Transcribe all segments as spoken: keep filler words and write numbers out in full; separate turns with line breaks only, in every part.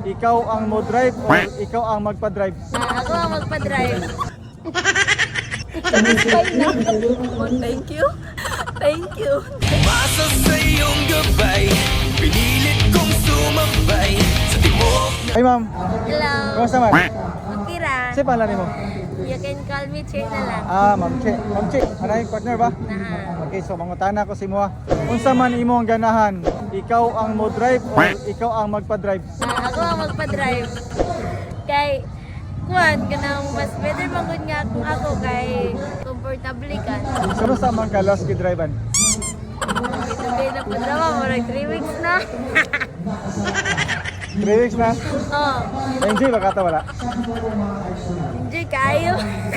ikaw ang mo drive o ikaw ang magpa-drive?
Ah, ako ang magpa-drive. Satisfy na. Oh, thank you. Thank you.
Umasa sa iyong gabay, pinilit kong sumabay sa timog.
Ay ma'am,
Hello.
kumusta man?
Okay ra.
Kasi pangalan mo?
You can call me Che na lang.
Ah, Ma'am Che. Ma'am Che, anay partner ba?
Naa.
Okay, so mangutana ko si mo. Unsa man imong ganahan? Ikaw ang mo drive o ikaw ang magpa-drive?
Ah, ako ang magpa-drive. Kay kuan kanang mas better magud nga kung ako kay comfortable ka.
Sino sa man ka last gidrivean?
Ito kay na padrawa mo like three weeks na.
three weeks na?
Oh,
Enjoy ba kata wala?
enjoy kayo.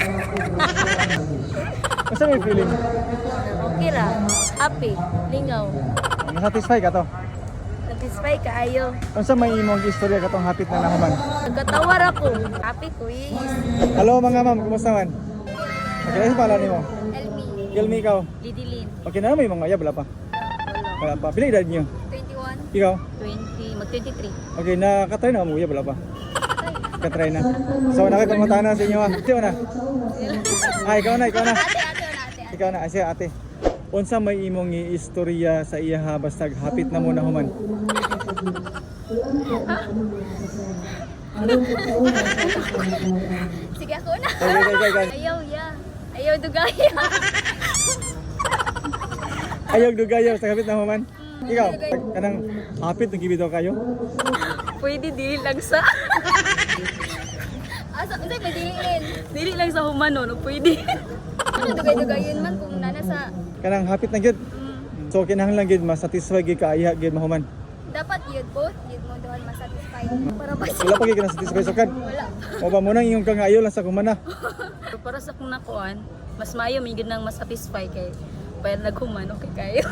Kasi may feeling.
Okay ra. Happy, lingaw.
Nasatisfy ka to?
Satisfy kaayo.
Unsa may imong istorya katong hapit na nahuman?
Nagkatawar ako. Happy ko is.
Hello mga ma'am, kumusta man? Okay, ano pala nimo?
Elmi.
Gilmi ikaw.
Lidilin.
Okay na may mga yab wala pa. Wala pa. Pila edad niyo?
twenty-one.
Ikaw?
twenty. Mag twenty-three.
Okay, nakatry na mo yab wala pa. Katry na. So nakikipangutana sa inyo ha. Sino na? Ah, ikaw na, ikaw na.
Ate, ate, ate.
Ikaw na, siya ate. Unsa may imong istorya sa iya ha basta hapit na mo na human?
Sige ako na.
Okay, okay, okay, okay.
Ayaw, ya. Ayaw dugaya.
Ayaw dugayaw sa hapit na human. Ikaw, kanang hapit ng gibitaw kayo?
Pwede dili lang sa. Asa, unsay pwedeng dili lang sa human no, pwede. Ano dugay-dugayon man kung nana sa
Kanang hapit na gyud. So kinahanglan gyud ma-satisfy gyud ka iya gyud mahuman.
dapat yun both yun mo doon masatisfied para ba
Wala pa gyud ka na-satisfy so kad.
wala.
O ba mo nang iyong kang ayaw lang sa kumana.
Pero para sa kung nakuan, mas maayo may gid nang masatisfy kay payag naghuman okay kayo.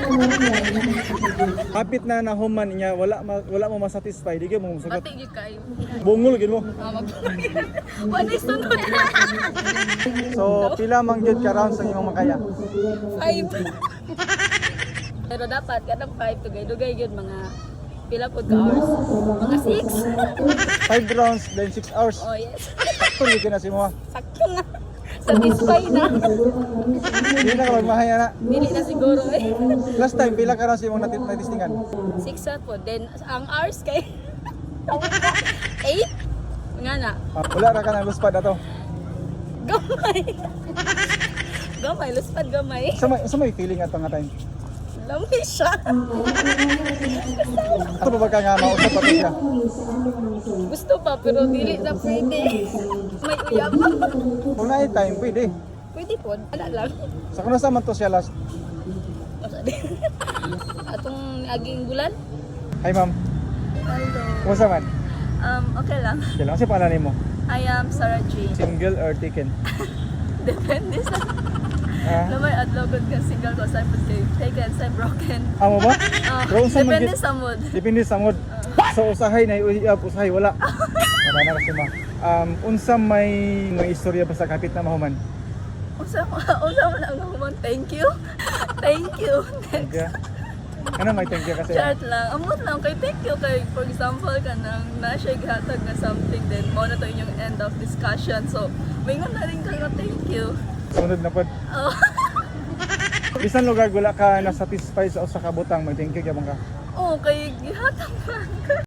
Hapit na nahuman niya wala ma, wala mo ma-satisfy di gyud mo masagot.
Pati gid kayo.
Bungol gyud mo.
Ah, mag Wala sunod.
So pila man gyud ka rounds ang imong makaya?
Five. Pero dapat kadang five to gay dugay gyud mga pila pod ka hours. Mga six.
five rounds then six hours.
Oh yes.
Sakto gyud na si mo.
Sakto na. Satisfy na.
Di na ka magmahaya na.
Dili na siguro eh.
Last time pila ka rounds imong natit natistingan?
Six at po. Then ang hours kay eight. Nga na.
Ah, wala ra ka nang luspad ato.
Gamay. Gamay, luspad gamay.
Sa may sa may feeling ato nga time.
Lamay siya.
Ato ba ka nga mausap pa siya?
Gusto pa pero dili na pwede. May uyab.
Kung na time pwede.
Pwede po, wala lang.
Sa kuno sa man to siya last.
Atong aging bulan.
Hi ma'am.
Hello.
Kumusta man?
Um, okay lang.
Kailan kasi pangalan nimo?
I am Sarah Jane.
Single or taken?
Depende sa
Ah,
lamay adlaw gud ka single ko sa pud kay taken sa broken.
amo ba?
Ah,
Pero unsa man
depende
gyud-
sa mood.
Depende sa mood. So usahay na uyab, usahay wala. Wala na kasi ma. Um, unsa may may istorya ba sa kapit na mahuman?
Unsa unsa man ang human? Thank you. Thank you.
Thank you. Ano may thank you kasi?
Chat lang. Amot lang kay thank you kay for example kanang na siya gihatag na something then mo na to inyong end of discussion. So, mingon na rin ka nga thank you.
Sunod na pod.
Oh.
Bisan lugar wala ka na satisfy sa usa ka butang, may thank you gyapon ka.
Oh, kay gihatag man.